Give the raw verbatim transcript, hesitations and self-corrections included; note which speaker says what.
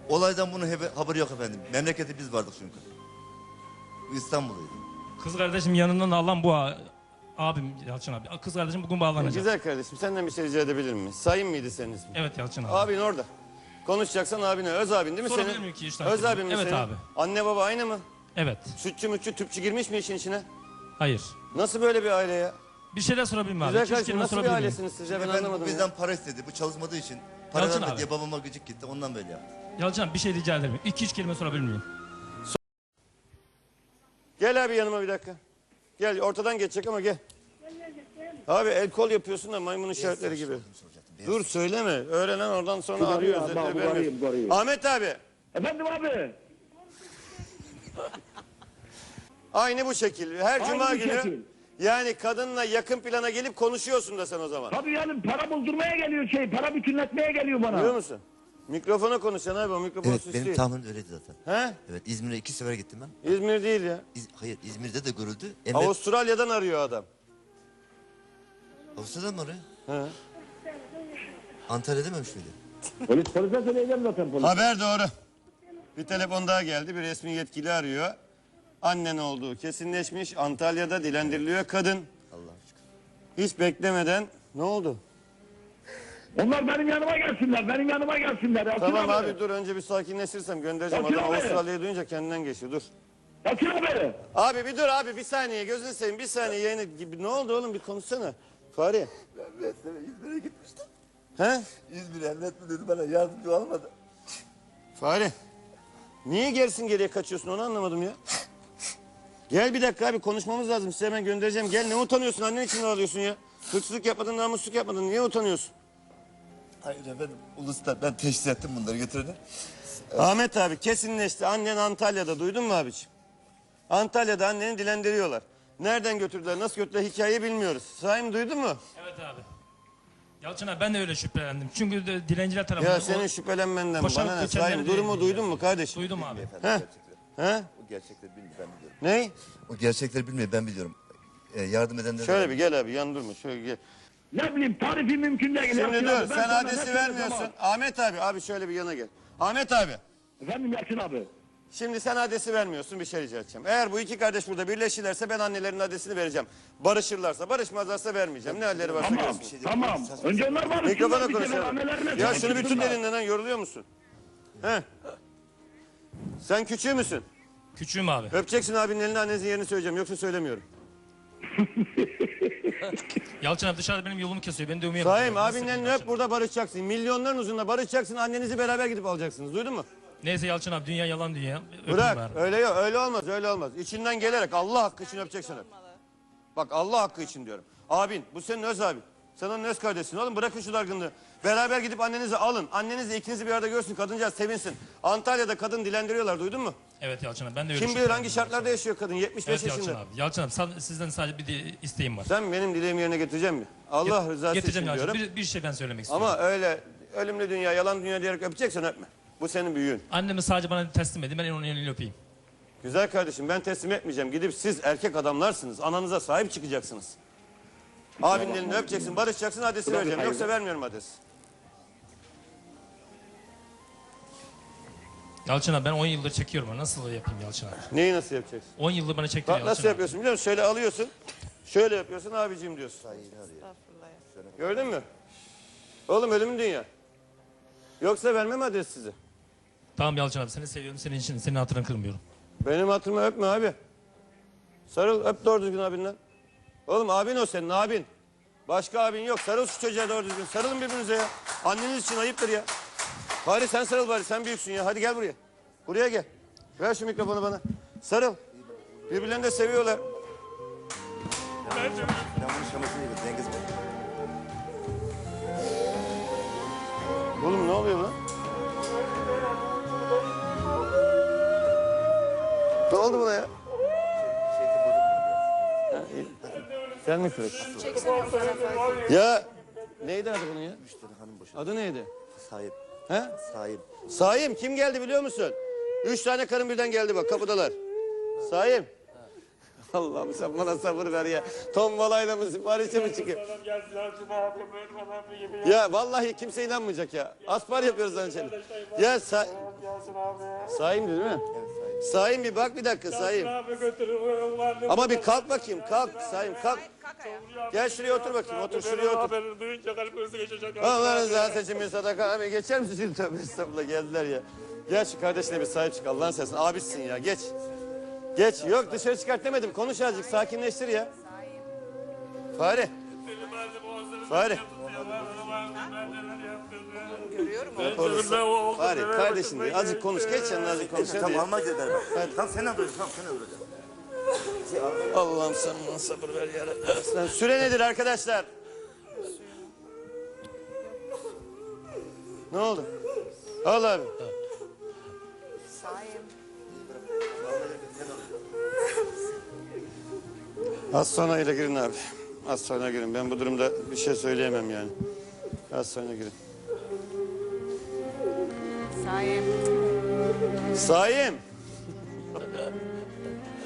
Speaker 1: Olaydan bunun hebe- haberi yok efendim. Memlekette biz vardık çünkü. Bu İstanbul'daydı.
Speaker 2: Kız kardeşim yanından alan bu a- abim Yalçın abi. Kız kardeşim bugün bağlanacak.
Speaker 3: Güzel kardeşim, senden bir şey rica edebilir miyim? Sayın mıydı senin ismin?
Speaker 2: Evet Yalçın abi.
Speaker 3: Abin orada. Konuşacaksan abine. Öz abin değil mi
Speaker 2: Sorabilir
Speaker 3: senin?
Speaker 2: miyim ki işten
Speaker 3: Öz
Speaker 2: sonra?
Speaker 3: abin mi
Speaker 2: Evet
Speaker 3: senin?
Speaker 2: abi.
Speaker 3: Anne baba aynı mı?
Speaker 2: Evet.
Speaker 3: Sütçü mütçü tüpçü girmiş mi işin içine?
Speaker 2: Hayır.
Speaker 3: Nasıl böyle bir aile ya?
Speaker 2: Bir şeyler sorabilir miyim abi?
Speaker 3: Güzel
Speaker 2: İki üç
Speaker 3: kardeşim,
Speaker 2: kelime
Speaker 3: nasıl bir
Speaker 2: sorabilir miyim?
Speaker 3: ailesiniz siz ya, ben
Speaker 1: Efendim bu
Speaker 3: anlamadım
Speaker 1: bizden
Speaker 3: ya.
Speaker 1: para istedi. Bu çalışmadığı için para
Speaker 2: Yalçın
Speaker 1: vermedi
Speaker 2: abi.
Speaker 1: diye babama gıcık gitti. Ondan böyle yaptı.
Speaker 2: Yalçın abi bir şey rica ederim. İki üç kelime sorabilir miyim?
Speaker 3: Gel abi yanıma bir dakika. Gel, ortadan geçecek ama gel. Abi el kol yapıyorsun da maymun işaretleri gibi. Dur söyleme. Öğrenen oradan sonra arıyor.
Speaker 4: abi,
Speaker 3: özetleri
Speaker 4: bu
Speaker 3: vermiyor.
Speaker 4: arayayım, bu arayayım.
Speaker 3: Ahmet abi.
Speaker 4: Efendim abi.
Speaker 3: Aynı bu şekil. Her
Speaker 4: Aynı
Speaker 3: cuma
Speaker 4: bu
Speaker 3: günü
Speaker 4: şekil.
Speaker 3: yani kadınla yakın plana gelip konuşuyorsun da sen o zaman.
Speaker 4: Tabii yani para buldurmaya geliyor şey, para bütünletmeye geliyor bana.
Speaker 3: Biliyor musun? Mikrofona konuşacaksın abi, o mikrofonu
Speaker 1: Evet
Speaker 3: süslüyor.
Speaker 1: benim tahminim öyleydi zaten.
Speaker 3: He?
Speaker 1: Evet İzmir'e iki sefer gittim ben.
Speaker 3: İzmir değil ya.
Speaker 1: İz- hayır İzmir'de de görüldü. Emret
Speaker 3: Avustralya'dan arıyor adam.
Speaker 1: Avustralya'da mı arıyor?
Speaker 3: He.
Speaker 1: Antalya dememiş miydi?
Speaker 4: Polis, polise söyleyeceğim zaten polis.
Speaker 3: Haber doğru. Bir telefon daha geldi. Bir resmi yetkili arıyor. Annen olduğu kesinleşmiş. Antalya'da dilendiriliyor kadın.
Speaker 1: Allah aşkına.
Speaker 3: Hiç beklemeden. Ne oldu?
Speaker 4: Onlar benim yanıma gelsinler, benim yanıma gelsinler. Yalçın
Speaker 3: Tamam abi dur, önce bir sakinleşirsem göndereceğim.
Speaker 4: Yalçın
Speaker 3: Adam
Speaker 4: abi.
Speaker 3: Avustralya'yı duyunca kendinden geçiyor. Dur.
Speaker 4: Yalçın abi.
Speaker 3: Abi bir dur abi, bir saniye gözünü seveyim, bir saniye yayını gibi. Ne oldu oğlum, bir konuşsana. Fahri.
Speaker 1: Ben İzmir'e gitmiştim.
Speaker 3: He?
Speaker 1: İzmir'e emret mi dedi bana, yardımcı olmadı.
Speaker 3: Fahri. Niye gerisin geriye kaçıyorsun, onu anlamadım ya. Gel bir dakika abi, konuşmamız lazım. Size hemen göndereceğim. Gel, ne utanıyorsun, annen için ne alıyorsun ya? Hırsızlık yapmadın, namussuzluk yapmadın. Niye utanıyorsun?
Speaker 1: Hayır efendim uluslar ben teşhis ettim bunları getirdi.
Speaker 3: Ahmet abi kesinleşti. Annen Antalya'da, duydun mu abiciğim? Antalya'da anneni dilendiriyorlar. Nereden götürdüler, nasıl götürdüler hikayeyi bilmiyoruz. Sahi duydun mu?
Speaker 2: Evet abi. Yalçın abi ben de öyle şüphelendim. Çünkü de, dilenciler tarafından...
Speaker 3: Ya senin
Speaker 2: o-
Speaker 3: şüphelenmenden
Speaker 2: Boşanıp
Speaker 3: bana ne?
Speaker 2: göçenleri
Speaker 3: Sahi
Speaker 2: de-
Speaker 3: durumu duydun mu kardeşim?
Speaker 2: Duydum abi.
Speaker 1: Efendim,
Speaker 3: He?
Speaker 1: gerçekleri.
Speaker 3: He?
Speaker 1: O gerçekleri bilmiyor ben biliyorum.
Speaker 3: Ney?
Speaker 1: O gerçekleri bilmiyor ben biliyorum. Ee, yardım edenler...
Speaker 3: Şöyle bir gel abi, yan durma. Şöyle gel.
Speaker 4: Ne bileyim tarifi mümkün değil.
Speaker 3: Şimdi
Speaker 4: Yalçın
Speaker 3: dur,
Speaker 4: abi, ben
Speaker 3: sen
Speaker 4: sana
Speaker 3: adresi
Speaker 4: ne
Speaker 3: vermiyorsun.
Speaker 4: söyleyeceğim
Speaker 3: Ahmet abi, abi şöyle bir yana gel. Ahmet abi.
Speaker 4: abi? Efendim Yalçın abi.
Speaker 3: Şimdi sen adresi vermiyorsun, bir şey rica edeceğim. Eğer bu iki kardeş burada birleşirlerse ben annelerin adresini vereceğim. Barışırlarsa, barışmazlarsa vermeyeceğim. Ne halleri varsa
Speaker 4: Tamam,
Speaker 3: görsün.
Speaker 1: şey
Speaker 4: tamam. Önce onlar var.
Speaker 3: Mikrofona konuşalım. Ya şunu bir tut elinden lan, yoruluyor musun? He? Sen küçüğü müsün?
Speaker 2: Küçüğüm abi.
Speaker 3: Öpeceksin abinin elini, annenizin yerini söyleyeceğim. Yoksa söylemiyorum.
Speaker 2: Yalçın abi dışarıda benim yolumu kesiyor. Beni dövmeye
Speaker 3: Saim
Speaker 2: bakıyor.
Speaker 3: abinin
Speaker 2: Nasıl
Speaker 3: elini
Speaker 2: Yalçın
Speaker 3: öp, burada barışacaksın. Milyonların uzunla barışacaksın. Annenizi beraber gidip alacaksınız. Duydun mu?
Speaker 2: abi? Neyse Yalçın abi dünya yalan dünya. Öpeyim
Speaker 3: Bırak.
Speaker 2: bari.
Speaker 3: Öyle yok. Öyle olmaz. Öyle olmaz. İçinden gelerek Allah hakkı için öpeceksin öp. Bak Allah hakkı için diyorum. Abin bu senin öz abin. Sen onun öz kardeşsin oğlum, bırakın şu dargınlığı. Beraber gidip annenizi alın. Anneniz de ikinizi bir arada görsün, kadıncağız sevinsin. Antalya'da kadın dilendiriyorlar, duydun mu?
Speaker 2: Evet Yalçın abi ben de öyle
Speaker 3: Kim bilir
Speaker 2: şüphelendim
Speaker 3: hangi
Speaker 2: Yalçın
Speaker 3: şartlarda
Speaker 2: abi.
Speaker 3: yaşıyor kadın, yetmiş beş
Speaker 2: Evet Yalçın
Speaker 3: yaşında.
Speaker 2: abi. Yalçın abi sa- sizden sadece bir de isteğim var.
Speaker 3: Sen benim dileğimi yerine getirecek mi? Allah
Speaker 2: Get-
Speaker 3: rızası için
Speaker 2: Getireceğim Yalçın.
Speaker 3: diyorum.
Speaker 2: Bir, bir şey ben söylemek istiyorum.
Speaker 3: Ama öyle ölümlü dünya, yalan dünya diyerek öpeceksen öpme. Bu senin büyüğün.
Speaker 2: Annemi sadece bana teslim edin. Ben onun elini öpeyim.
Speaker 3: Güzel kardeşim, ben teslim etmeyeceğim. Gidip siz erkek adamlarsınız. Ananıza sahip çıkacaksınız. Abinin elini öpeceksin, barışacaksın, adresi vereceğim. Yoksa vermiyorum adresi.
Speaker 2: Yalçın abi ben on yıldır çekiyorum. Nasıl yapayım Yalçın abi?
Speaker 3: Neyi nasıl yapacaksın?
Speaker 2: on yıldır bana çektiriyor
Speaker 3: Bak
Speaker 2: Yalçın
Speaker 3: nasıl
Speaker 2: abi.
Speaker 3: yapıyorsun biliyor musun? Şöyle alıyorsun. Şöyle yapıyorsun, abicim diyorsun. Gördün mü? Oğlum ölümün dünya. Yoksa vermem adresi size.
Speaker 2: Tamam Yalçın abi seni seviyorum. Senin için senin hatırını kırmıyorum.
Speaker 3: Benim hatırımı öpme abi. Sarıl, öp doğru düzgün abinden. Oğlum abin o senin, abin. Başka abin yok. Sarıl şu çocuğa doğru düzgün. Sarılın birbirinize ya. Anneniz için ayıptır ya. Bari sen sarıl bari, sen büyüksün ya. Hadi gel buraya. Buraya gel. Ver şu mikrofonu bana. Sarıl. Birbirlerini de seviyorlar.
Speaker 1: Ben bunun şamasını yedim Cengiz Bey.
Speaker 3: Oğlum ne oluyor lan? Ne oldu buna ya?
Speaker 1: Şeyde bozuk
Speaker 3: Ha, iyi. Sen mi kırık?
Speaker 5: Çeksene o tarafa.
Speaker 3: Ya neydi adı bunun ya?
Speaker 1: müşteri hanım boşadı.
Speaker 3: Adı neydi?
Speaker 1: Sahip.
Speaker 3: He?
Speaker 1: Sahip.
Speaker 3: Saim kim geldi biliyor musun? Üç tane karın birden geldi bak, kapıdalar. Saim. Allah'ım sen bana sabır ver ya. Tombalayla mı siparişe mi çıkıyor? Ya vallahi kimse inanmayacak ya. Aspar yapıyoruz lan seni. Ya sa
Speaker 5: Yasin abi.
Speaker 3: Saim değil mi?
Speaker 1: Evet Sayın.
Speaker 3: Saim bir bak bir dakika Saim.
Speaker 5: Yasin abi götürün. Annem
Speaker 3: Ama bir kalk bakayım kalk Saim kalk. Gel şuraya otur bakayım otur şuraya otur.
Speaker 5: Haberini duyunca kalp krizi geçecek.
Speaker 3: Allah'ın rızası için bir sadaka abi geçer misin? Tövbe estağfurullah geldiler ya. Gel şu kardeşine bir sahip çık Allah'ın seversen. Abisin ya geç. Geç yok dışarı çıkart demedim konuş azıcık sakinleştir ya. Fare. Fare. Fare kardeşim diyor. Azıcık konuş geç yanına azıcık konuş hadi
Speaker 1: Tamam
Speaker 3: ya.
Speaker 1: alma gider bak. Tamam seni öldüreceğim. Tamam seni öldüreceğim.
Speaker 3: Allah'ım sen bana sabır ver ya Rabbi. Süre nedir arkadaşlar? Ne oldu? Al abi. Az sonra ile girin abi. Az sonra girin. Ben bu durumda bir şey söyleyemem yani. Az sonra girin.
Speaker 6: Saim.
Speaker 3: Saim.